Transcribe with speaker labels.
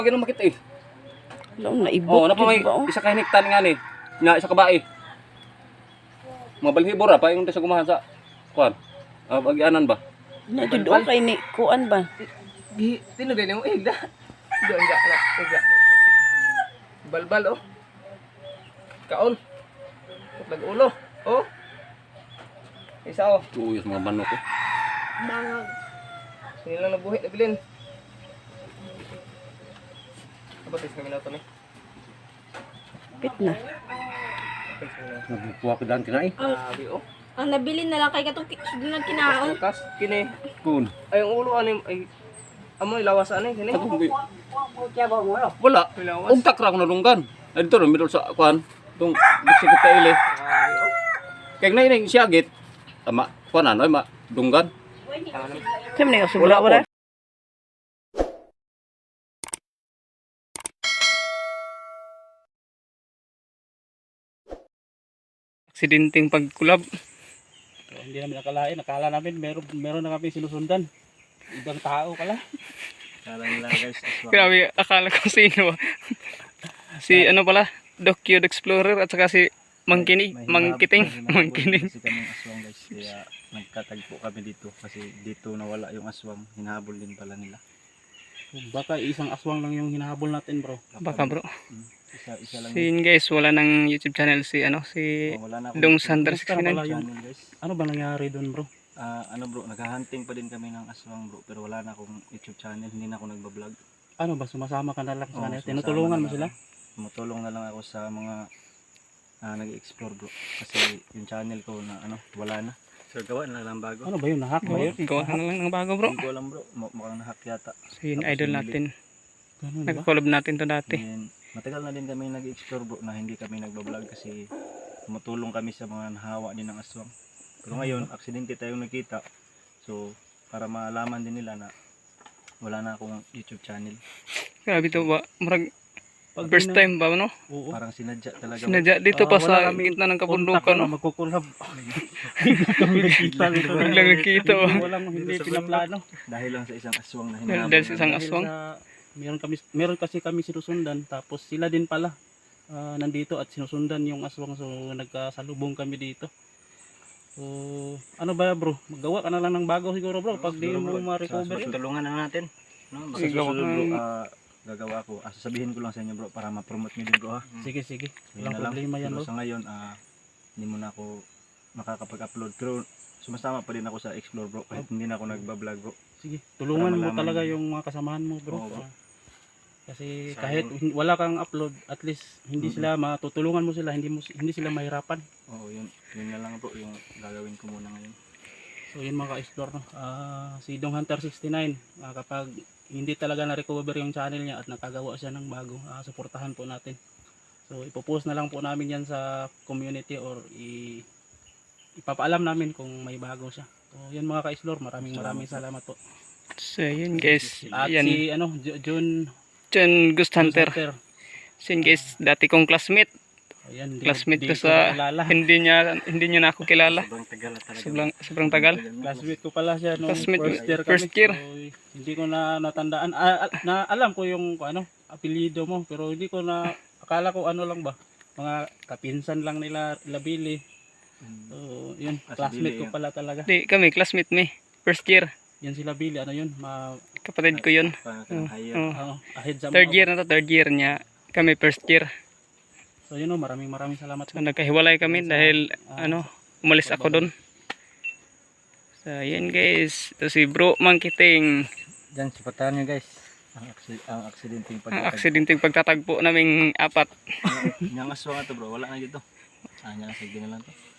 Speaker 1: Ganun makita eh.
Speaker 2: Alam, naibot.
Speaker 1: Oh, napa may
Speaker 2: ba, oh?
Speaker 1: isa ka hiniktan nga ni. Nga isa ka bae. Mga balhibor pa yung sa gumahan sa kuan. Bagyanan ba?
Speaker 2: Na jud okay ni kuan ba?
Speaker 3: Tinugay mo igda. Doon ga na igda. Balbal oh. Kaon. Putlag ulo. Oh. Isa oh.
Speaker 1: Tuyos mga manok eh.
Speaker 3: Bangag. Sini lang nabuhi na bilin. Abatis kami na ito ni.
Speaker 2: Pit na.
Speaker 1: Nagbukuha ko dan kinai.
Speaker 3: Abi oh.
Speaker 4: Ang nabili na lang kay katong sunod kinaon.
Speaker 3: Kas kini.
Speaker 1: Kun.
Speaker 3: Ay ang ulo ani ay amoy lawas ani kini.
Speaker 1: Wala.
Speaker 3: Lawas.
Speaker 1: Ugtak ra ko nalunggan. Ay dito middle sa kuan. Tung bisikit ka ile.
Speaker 3: Abi oh.
Speaker 1: Kaya na ini siyagit. Tama. Kuan ano ma dunggan.
Speaker 2: Kami na subra wala.
Speaker 5: Aksidenteng pagkulab. Hindi namin nakalain, nakala namin meron na kami sinusundan. Ibang tao pala.
Speaker 3: Kala nila guys.
Speaker 5: Grabe, akala ko sino. Si ano pala, Doc Cute Explorer at saka si Mangkiting.
Speaker 6: Kasi kami aswang guys, kaya nagkatagpo kami dito kasi dito nawala yung aswang, hinahabol din pala nila.
Speaker 5: Baka isang aswang lang yung hinahabol natin, bro. Baka, bro.
Speaker 6: Isa lang.
Speaker 5: Si yun guys, wala nang YouTube channel si ano, si
Speaker 6: Wala na
Speaker 5: Dong Sander
Speaker 6: Kumusta na pala
Speaker 5: 69.
Speaker 6: yun, guys?
Speaker 5: Ano ba nangyari doon, bro?
Speaker 6: Ano bro, naghahunting pa din kami ng aswang bro, pero wala na akong YouTube channel, hindi na ako nagbablog.
Speaker 5: Ano ba, sumasama ka na lang sa
Speaker 6: Oo,
Speaker 5: kanila?
Speaker 6: sumasama
Speaker 5: Tinutulungan
Speaker 6: na
Speaker 5: mo
Speaker 6: lang
Speaker 5: sila?
Speaker 6: ako. Tumutulong na lang ako sa mga nag-explore bro, kasi yung channel ko na ano, wala na. So gawa na lang bago.
Speaker 5: Ano ba yun, nahack ba yun? Gawa na lang ng bago, bro.
Speaker 6: Hindi ko alam bro, mukhang nahack yata.
Speaker 5: So yun,
Speaker 6: Tapos
Speaker 5: idol
Speaker 6: bumili.
Speaker 5: natin.
Speaker 2: Ganun ba?
Speaker 5: Nag-collab natin to dati.
Speaker 6: And matagal na din kami nag-explore bro na hindi kami nagbablog kasi tumutulong kami sa mga nahawa din ng aswang. Pero ngayon, aksidente tayong nakita. So, para malaman din nila na wala na akong YouTube channel.
Speaker 5: Grabe to ba? Marag,
Speaker 2: Pag
Speaker 5: first time ba, no?
Speaker 2: Oo.
Speaker 6: Parang sinadya talaga.
Speaker 5: Sinadya dito pa
Speaker 2: wala
Speaker 5: sa
Speaker 2: kaming
Speaker 5: gitna ng
Speaker 2: Kontak
Speaker 5: kabundukan,
Speaker 2: na
Speaker 5: no?
Speaker 2: magkukulab. Kami nakita dito.
Speaker 5: Biglang nagkita, oh.
Speaker 2: Walang hindi pinaplano.
Speaker 6: Dahil lang sa isang aswang na
Speaker 5: Dahil
Speaker 6: hinahabol.
Speaker 5: sa isang
Speaker 2: Dahil
Speaker 5: aswang.
Speaker 2: meron kasi kami sinusundan, tapos sila din pala nandito at sinusundan yung aswang, so nagkasalubong kami dito. So ano ba bro, magawa ka na lang ng bago siguro bro pag di mo ma-recover yun.
Speaker 6: Tulungan na natin. No? Basta
Speaker 5: Sige, gawa
Speaker 6: susunod bro,
Speaker 5: ka.
Speaker 6: gagawa ako. Sasabihin ko lang sa inyo bro para ma-promote nyo din bro ha.
Speaker 2: Sige sige,
Speaker 6: Yun
Speaker 2: walang
Speaker 6: na lang.
Speaker 2: problema yan
Speaker 6: Pero
Speaker 2: bro.
Speaker 6: sa ngayon, hindi mo na ako makakapag-upload. Pero sumasama pa din ako sa Explore bro kahit hindi na ako nagbablog bro.
Speaker 2: Sige, tulungan
Speaker 6: Para
Speaker 2: mo
Speaker 6: malaman
Speaker 2: talaga
Speaker 6: nyo.
Speaker 2: yung mga kasamahan mo bro.
Speaker 6: Oo, bro.
Speaker 2: Kasi
Speaker 6: Sayang.
Speaker 2: kahit wala kang upload, at least hindi sila matutulungan mo sila, hindi sila mahirapan.
Speaker 6: Oo, yun na lang bro yung gagawin ko muna ngayon.
Speaker 2: So yun mga ka-explore, no? Si Dong Hunter 69, kapag hindi talaga na-recover yung channel niya at nakagawa siya ng bago, suportahan po natin. So ipopost na lang po namin yan sa community or ipapaalam namin kung may bago siya. So yun mga ka-explore, maraming salamat po.
Speaker 5: So yun guys,
Speaker 2: At
Speaker 5: yan.
Speaker 2: si
Speaker 5: John Ghost Hunter. So yun guys, dati kong classmate.
Speaker 2: Ayan,
Speaker 5: Classmate ko
Speaker 2: ko
Speaker 5: sa,
Speaker 2: kilala.
Speaker 5: hindi niya na ako kilala.
Speaker 6: Sobrang tagal na talaga.
Speaker 5: Sobrang tagal.
Speaker 2: Classmate ko pala siya nung
Speaker 5: Classmate,
Speaker 2: first year kami.
Speaker 5: first year.
Speaker 2: So, hindi ko na natandaan. Na alam ko yung apelyido mo, pero hindi ko na akala ko ano lang ba, mga kapinsan lang nila Labili. So, yun,
Speaker 6: Ah, si
Speaker 2: classmate
Speaker 6: Billy,
Speaker 2: ko pala talaga.
Speaker 5: Di, kami, classmate me. First year.
Speaker 2: Yan si Labili, ano yun,
Speaker 5: Kapatid ko yun.
Speaker 6: Parang higher.
Speaker 2: ahead sa
Speaker 5: Third
Speaker 2: mga-
Speaker 5: year na to, third year niya. Kami first year.
Speaker 2: So, yun, maraming salamat.
Speaker 5: So nagkahiwalay kami dahil umalis ako doon. So yun guys. Ito si Bro Mangkiting.
Speaker 6: Diyan, supportahan nyo guys. Ang aksidenteng
Speaker 5: Ang
Speaker 6: pagkatag.
Speaker 5: aksidenteng pagtatagpo naming apat.
Speaker 6: Yung aswang ito bro, wala na dito. Nya, sige na lang to.